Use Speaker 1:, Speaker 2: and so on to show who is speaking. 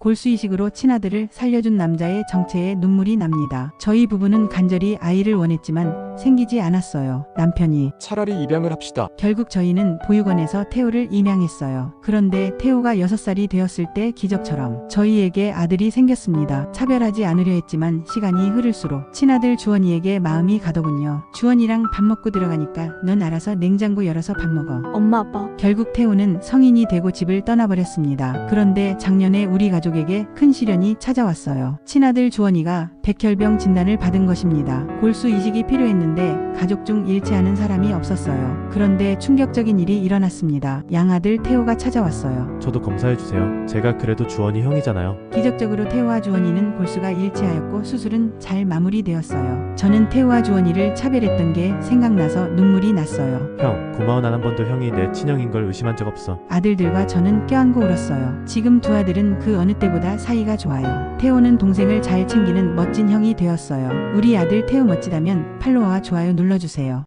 Speaker 1: 골수이식으로 친아들을 살려준 남자의 정체에 눈물이 납니다. 저희 부부는 간절히 아이를 원했지만 생기지 않았어요. 남편이
Speaker 2: 차라리 입양을 합시다.
Speaker 1: 결국 저희는 보육원에서 태우를 입양했어요. 그런데 태우가 6살이 되었을 때 기적처럼 저희에게 아들이 생겼습니다. 차별하지 않으려 했지만 시간이 흐를수록 친아들 주원이에게 마음이 가더군요. 주원이랑 밥 먹고 들어가니까 넌 알아서 냉장고 열어서 밥 먹어.
Speaker 3: 엄마 아빠.
Speaker 1: 결국 태우는 성인이 되고 집을 떠나버렸습니다. 그런데 작년에 우리 가족에게 큰 시련이 찾아왔어요. 친아들 주원이가 백혈병 진단을 받은 것입니다. 골수 이식이 필요했는데 가족 중 일치하는 사람이 없었어요. 그런데 충격적인 일이 일어났습니다. 양아들 태우가 찾아왔어요.
Speaker 4: 저도 검사해주세요. 제가 그래도 주원이 형이잖아요.
Speaker 1: 기적적으로 태우와 주원이는 골수가 일치하였고 수술은 잘 마무리되었어요. 저는 태우와 주원이를 차별했던 게 생각나서 눈물이 났어요.
Speaker 4: 형, 고마워. 난 한 번도 형이 내 친형인 걸 의심한 적 없어.
Speaker 1: 아들들과 저는 껴안고 울었어요. 지금 두 아들은 그 어느 때보다 사이가 좋아요. 태호는 동생을 잘 챙기는 멋진 형이 되었어요. 우리 아들 태호 멋지다면 팔로워와 좋아요 눌러주세요.